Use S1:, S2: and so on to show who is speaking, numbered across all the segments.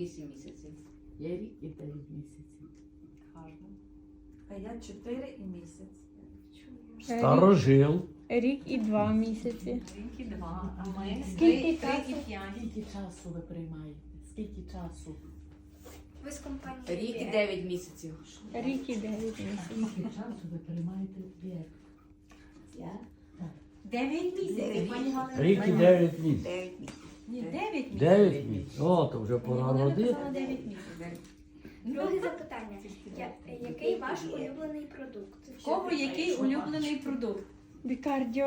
S1: 8 місяців.
S2: Я рік і 9 місяців.
S1: Гарно.
S3: А я 4 і місяць.
S4: Старожил.
S5: Рік і 2 місяці.
S1: Рік і 2, а ми
S5: Скільки
S1: 3 і 5.
S2: Скільки часу ви приймаєте? Скільки часу?
S6: Ви з компанії
S1: Рік і
S6: BR.
S1: 9 місяців.
S5: Рік і 9 місяців.
S2: Скільки часу ви приймаєте біг?
S1: Я? 9 місяців, пані Галина.
S4: Рік і 9 місяців.
S1: 9 місяців.
S3: Ні, 9 місяців.
S4: 9 місяців. О, то вже пора
S3: Вона
S4: родити.
S3: написала 9 місяців.
S6: Друге запитання. Який ваш улюблений продукт?
S3: В кого який улюблений продукт?
S5: Бікардіо.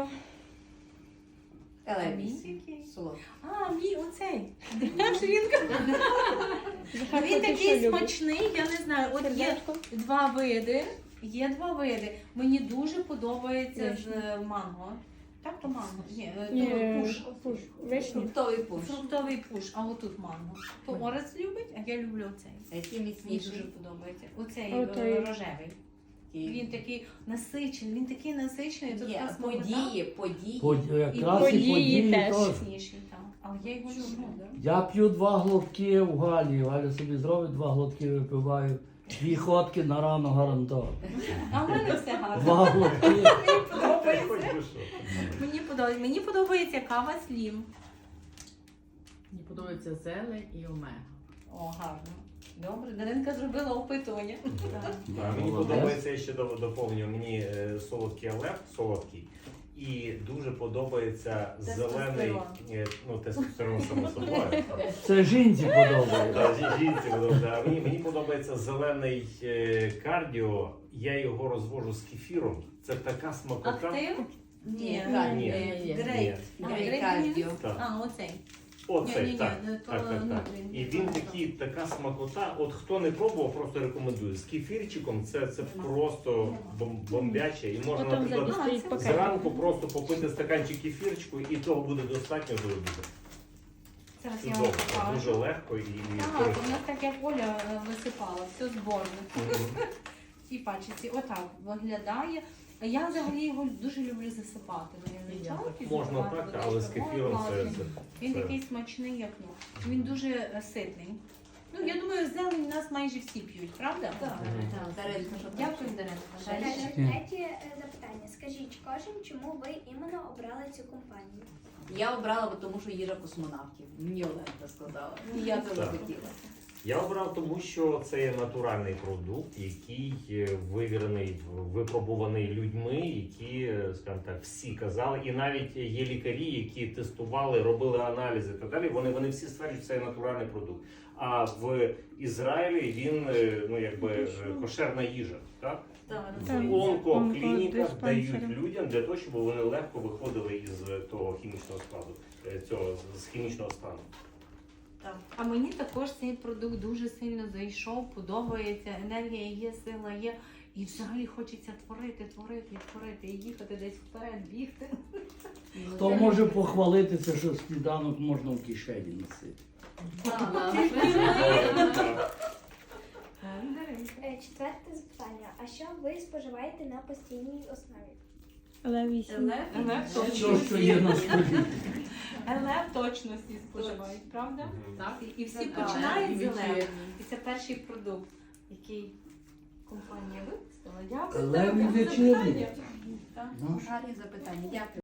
S1: Елеміс.
S3: Який?
S1: Солодкий.
S3: А, мій оцей. Жінка.
S5: Захар,
S3: Він
S5: ти що
S3: такий
S5: любиш?
S3: смачний, я не знаю. От є
S5: Сердечко?
S3: 2 види. Є 2 види. Мені дуже подобається
S5: Вишня.
S3: з манго. Так, то манго? Ні,
S5: Ні,
S3: то пуш.
S5: пуш. Вишні.
S1: Фруктовий пуш.
S3: Фруктовий пуш, а отут манго. То Орес любить, а я люблю оцей.
S1: Який
S3: Мені
S1: міцніший.
S3: дуже подобається. Оцей
S5: Отой.
S3: рожевий. Він такий насичений, тут
S1: Є
S3: така смакота.
S1: події.
S4: Якраз і
S5: Події
S4: події
S5: теж.
S4: теж.
S3: Смачніший там. Але я його люблю.
S4: Я п'ю 2 глотки в Галі. Галя собі зробить 2 глотки, випиваю. 2 ходки на рано гарантовано.
S3: А в мене все гарно.
S4: 2 глотки.
S3: Мені подобається кава слім.
S2: Мені подобається зелень і омега.
S3: О, гарно. Добре, Даринка зробила опитування.
S7: Так, мені
S4: Молодець.
S7: подобається, я ще доповню, мені солодкий алеп, солодкий. І дуже подобається зелений, тестостерон само собою.
S4: Це жінці подобається.
S7: Так, жінці подобається. А мені подобається зелений кардіо, я його розвожу з кефіром. Це така смакота.
S3: Актив?
S1: Ні,
S7: Ні.
S3: Грейп.
S1: Грейп кардіо.
S7: Так.
S3: А, оцей.
S7: Оцей,
S3: Ні,
S7: так.
S3: то
S7: Так.
S3: внутрішній.
S7: І він така смакота. От хто не пробував, просто рекомендую. З кефірчиком це просто бомбяче. І можна,
S5: Потім
S7: наприклад,
S5: забістить пакет.
S7: зранку просто попити стаканчик кефірчику, і того буде достатньо до обіду.
S3: Зараз я
S7: Чудово,
S3: вам
S7: це
S3: покажу.
S7: дуже легко і
S3: Так, у
S7: корисно.
S3: нас так як Оля висипала, все зборно. В цій пачці отак виглядає. А я взагалі його дуже люблю засипати.
S7: Можна так, але з кефіром це.
S3: Він такий смачний, як ну. Він дуже ситний. Ну, я думаю, зелень у нас майже всі п'ють, правда?
S1: Так, Даринка, що
S3: Дякую, Даринка. Далі.
S6: Третє запитання. Скажіть кожен, чому ви іменно обрали цю компанію?
S1: Я обрала, тому що їжа космонавтів. Мені Оленка сказала. І я це
S7: Так.
S1: захотіла.
S7: Я обрав тому, що це є натуральний продукт, який вивірений, випробуваний людьми, які, скажімо так, всі казали, і навіть є лікарі, які тестували, робили аналізи і так далі. Вони всі стверджують, що це є натуральний продукт. А в Ізраїлі він кошерна їжа, так?
S1: Так.
S7: В онкоклініках дають
S5: онкодиспансери.
S7: людям для того, щоб вони легко виходили із того хімічного складу, з хімічного стану.
S3: Так. А мені також цей продукт дуже сильно зайшов, подобається, енергія є, сила є. І взагалі хочеться творити, і їхати десь вперед, бігти.
S4: Хто може похвалитися, що сніданок можна в кишені носити?
S6: Четверте запитання. А що ви споживаєте на постійній основі?
S5: Левісім.
S4: Що є на столі?
S3: Елев точно всі споживають, правда?
S1: Так.
S3: І всі
S1: Так,
S3: починають з
S1: і
S3: елев.
S1: вечірні.
S3: І це перший продукт, який компанія випустила. Дякую.
S4: Елев і
S3: за
S4: вечірні.
S3: запитання. Так.
S4: Ну,
S1: Гарні запитання. Дякую.